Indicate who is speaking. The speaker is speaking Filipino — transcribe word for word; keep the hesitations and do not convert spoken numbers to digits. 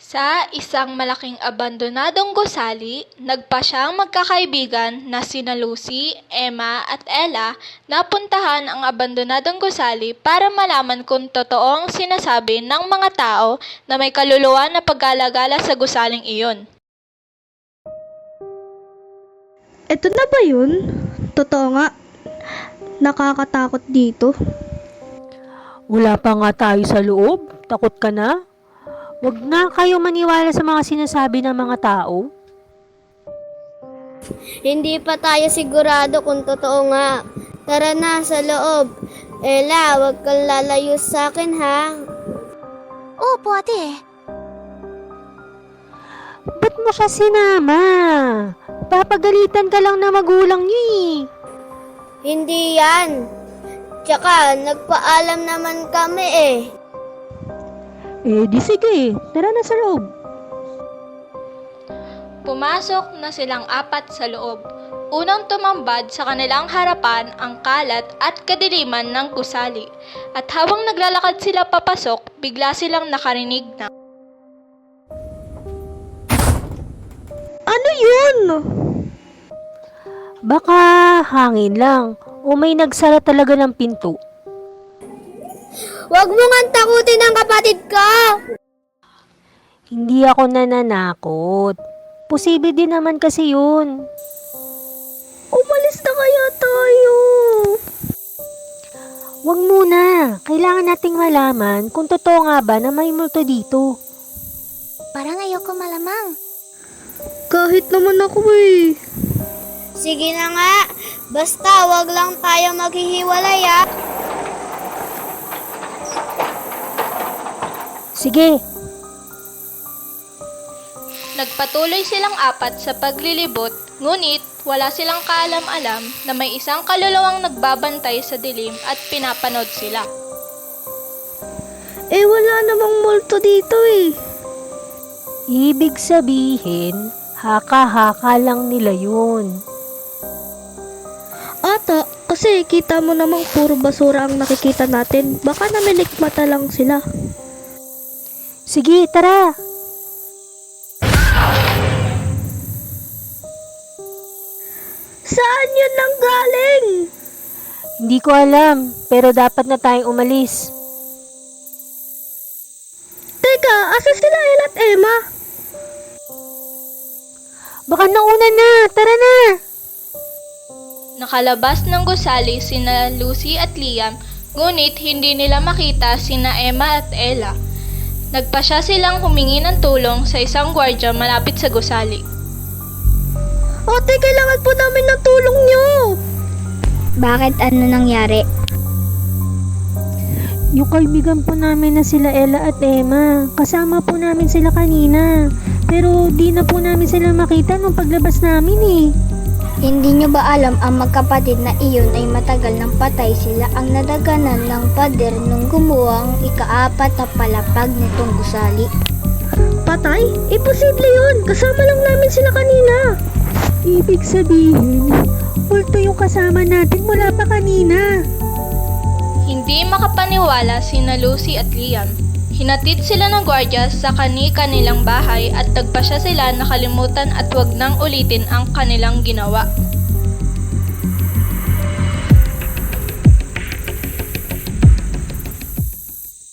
Speaker 1: Sa isang malaking abandonadong gusali, nagpasyang magkakaibigan na sina Lucy, Emma at Ella na puntahan ang abandonadong gusali para malaman kung totoo ang sinasabi ng mga tao na may kaluluwa na pag-alagala sa gusaling iyon.
Speaker 2: Eto na ba yun? Totoo nga. Nakakatakot dito.
Speaker 3: Wala pa nga tayo sa loob. Takot ka na? Huwag na kayo maniwala sa mga sinasabi ng mga tao.
Speaker 4: Hindi pa tayo sigurado kung totoo nga. Tara na sa loob. Ella, huwag kang lalayo sa akin ha.
Speaker 5: Opo, ate.
Speaker 3: Ba't mo siya sinama? Papagalitan ka lang na magulang niyo eh.
Speaker 4: Hindi yan. Tsaka, nagpaalam naman kami eh.
Speaker 3: Eh di sige, tara na sa loob.
Speaker 1: Pumasok na silang apat sa loob. Unang tumambad sa kanilang harapan ang kalat at kadiliman ng gusali. At habang naglalakad sila papasok, bigla silang nakarinig na,
Speaker 2: Ano yun?
Speaker 3: Baka hangin lang o may nagsara talaga ng pinto.
Speaker 4: Huwag mo nga takutin ang kapatid ko!
Speaker 3: Hindi ako nananakot. Posible din naman kasi yun.
Speaker 2: Umalis na kaya tayo.
Speaker 3: Huwag muna. Kailangan nating malaman kung totoo nga ba na may multo dito.
Speaker 5: Parang ayoko malamang.
Speaker 2: Kahit naman ako eh.
Speaker 4: Sige na nga, basta wag lang tayo maghihiwalay ah.
Speaker 3: Sige,
Speaker 1: nagpatuloy silang apat sa paglilibot, ngunit wala silang kaalam-alam na may isang kaluluwang nagbabantay sa dilim at pinapanood sila.
Speaker 2: Eh wala namang multo dito eh.
Speaker 3: ibig sabihin, haka-haka lang nila yun.
Speaker 2: Ata, kasi kita mo namang puro basura ang nakikita natin. Baka namilikmata lang sila.
Speaker 3: Sige, tara.
Speaker 2: Saan yun nang galing?
Speaker 3: Hindi ko alam, pero dapat na tayong umalis.
Speaker 2: Teka, asa sila Ella at Emma?
Speaker 3: Baka nauna na, tara na.
Speaker 1: Nakalabas ng gusali sina Lucy at Liam, ngunit hindi nila makita sina Emma at Ella. Nagpasya silang humingi ng tulong sa isang gwardiya malapit sa gusali.
Speaker 2: Ate, kailangan po namin ng tulong nyo.
Speaker 4: Bakit ano nangyari?
Speaker 3: Yung kaibigan po namin na sila Ella at Emma, kasama po namin sila kanina. Pero di na po namin sila makita nung paglabas namin eh.
Speaker 4: Hindi nyo ba alam ang magkapatid na iyon ay matagal nang patay sila ang nadaganan ng pader nung gumawa ang ikaapat na palapag nitong gusali?
Speaker 2: Patay? Imposible yun. Kasama lang namin sila kanina.
Speaker 3: Ibig sabihin, multo yung kasama natin mula pa kanina.
Speaker 1: Hindi makapaniwala sina Lucy at Liam. Hinatid sila ng gwardiya sa kani-kanilang bahay at nagpasya sila na kalimutan at wag nang ulitin ang kanilang ginawa.